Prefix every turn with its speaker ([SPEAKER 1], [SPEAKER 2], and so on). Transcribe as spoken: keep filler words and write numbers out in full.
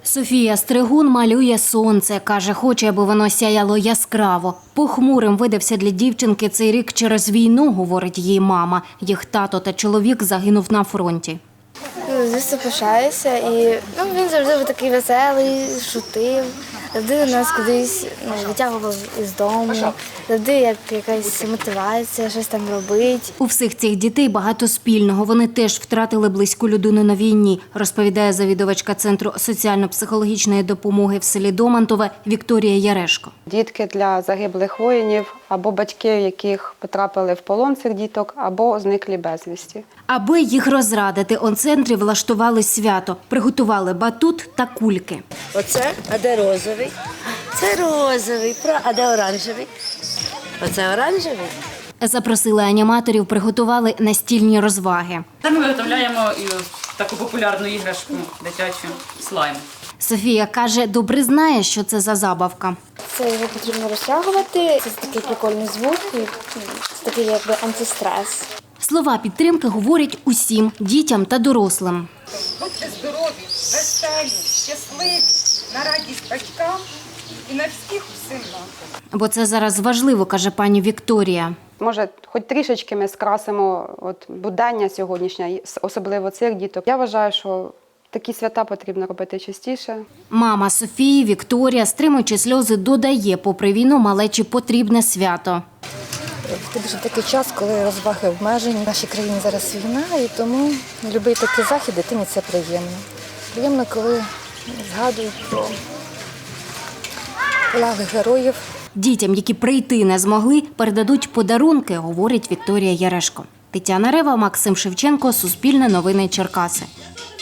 [SPEAKER 1] Софія Стригун малює сонце. Каже, хоче, аби воно сяяло яскраво. Похмурим видався для дівчинки цей рік через війну, говорить її мама. Їх тато та чоловік загинув на фронті.
[SPEAKER 2] Звісно, пишаюся. І ну, він завжди був такий веселий, шутив. Завжди нас кудись ну, витягував із дому, завжди як якась мотивація, щось там робить.
[SPEAKER 1] У всіх цих дітей багато спільного. Вони теж втратили близьку людину на війні, розповідає завідувачка Центру соціально-психологічної допомоги в селі Домантове Вікторія Ярешко.
[SPEAKER 3] Дітки для загиблих воїнів або батьки, яких потрапили в полон цих діток, або зниклі безвісті.
[SPEAKER 1] Аби їх розрадити, у центрі влаштували свято. Приготували батут та кульки.
[SPEAKER 4] Оце, а де розовий? Це розовий, а де оранжевий? Оце оранжевий.
[SPEAKER 1] Запросили аніматорів, приготували настільні розваги.
[SPEAKER 5] Та ми виготовляємо і таку популярну іграшку дитячу слайм.
[SPEAKER 1] Софія каже, добре знає, що це за забавка.
[SPEAKER 2] Це його потрібно розтягувати. Це такий прикольний звук, і це такий якби антистрес.
[SPEAKER 1] Слова підтримки говорять усім – дітям та дорослим.
[SPEAKER 6] Будьте здорові, веселі, щасливі, на радість батькам і на всіх усім нам.
[SPEAKER 1] Бо це зараз важливо, каже пані Вікторія.
[SPEAKER 3] Може, хоч трішечки ми скрасимо от, будення сьогоднішнє, особливо цих діток. Я вважаю, що такі свята потрібно робити частіше.
[SPEAKER 1] Мама Софії, Вікторія, стримуючи сльози, додає, попри війну малечі потрібне свято.
[SPEAKER 7] Це дуже такий час, коли розваги обмежені. В нашій країні зараз війна, і тому будь-який такий захід дитині це приємно. Приємно, коли згадують про полеглих героїв.
[SPEAKER 1] Дітям, які прийти не змогли, передадуть подарунки, говорить Вікторія Ярешко. Тетяна Рева, Максим Шевченко, Суспільне новини Черкаси.